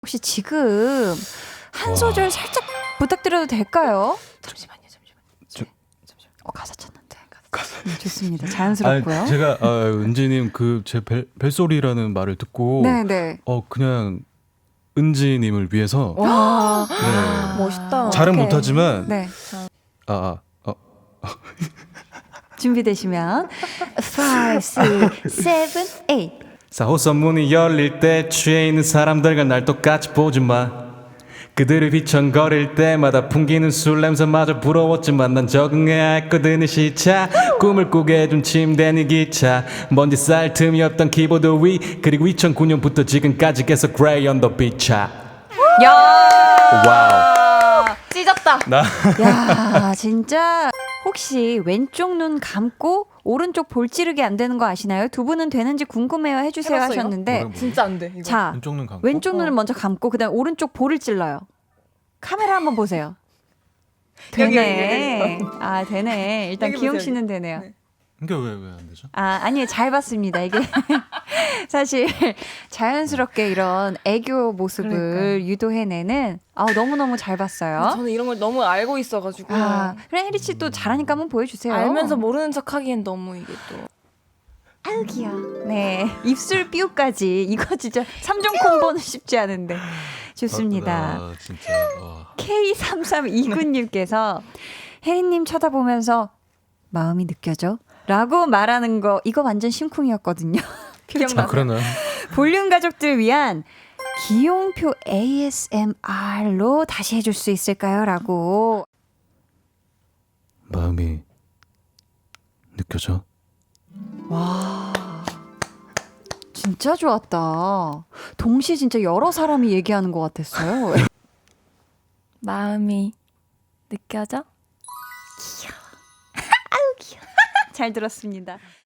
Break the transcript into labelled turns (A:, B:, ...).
A: 혹시 지금 한 소절 살짝 부탁드려도 될까요? 잠시만요. 가사 찾는데. 좋습니다. 자연스럽고요.
B: 아니, 제가 은지님 그 제 벨소리라는 말을 듣고
A: 네네.
B: 그냥 은지님을 위해서
C: 와,
B: 네.
C: 멋있다.
B: 잘은
A: 어떡해.
B: 못하지만
A: 네. 준비되시면 5, 6, 7, 8
B: 4호선 문이 열릴 때 취해 있는 사람들과 날 똑같이 보지 마. 그들을 휘청거릴 때마다 풍기는 술 냄새마저 부러웠지만 난 적응해야 했거든. 이 시차 꿈을 꾸게 해준 침대 네 기차 먼지 쌓일 틈이 없던 키보드 위 그리고 2009년부터 지금까지 계속 Gray on the beach.
A: 야!
B: 와우.
C: 찢었다.
A: 야, 진짜 혹시 왼쪽 눈 감고 오른쪽 볼 찌르기 안 되는 거 아시나요? 두 분은 되는지 궁금해요 해주세요
C: 해봤어요?
A: 하셨는데
B: 뭐라고요?
C: 진짜 안 돼. 이거.
A: 자,
B: 왼쪽 눈 감고
A: 왼쪽 눈을 먼저 감고 그다음 오른쪽 볼을 찔러요. 카메라 한번 보세요. 되네. 아, 되네. 일단
C: 여기
A: 기용
C: 보세요,
A: 씨는 되네요.
C: 네.
B: 이게 왜 안 되죠?
A: 아니에요. 잘 봤습니다. 이게 사실 자연스럽게 이런 애교 모습을
C: 그러니까요.
A: 유도해내는 너무너무 잘 봤어요.
C: 저는 이런 걸 너무 알고 있어가지고
A: 그래 혜리 씨 또 잘하니까 한번 보여주세요.
C: 알면서 모르는 척하기엔 너무 이게 또
A: 아유 귀여워. 네. 입술 삐우까지 이거 진짜 3종 콤보는 쉽지 않은데 좋습니다.
B: 진짜
A: K3329님께서 혜리님 쳐다보면서 마음이 느껴져? 라고 말하는 거 이거 완전 심쿵이었거든요. 기억나요?
B: 그러나요?
A: 볼륨 가족들 위한 기용표 ASMR로 다시 해줄 수 있을까요? 라고.
B: 마음이 느껴져?
A: 와, 진짜 좋았다. 동시에 진짜 여러 사람이 얘기하는 것 같았어요.
C: 마음이 느껴져?
A: 잘 들었습니다.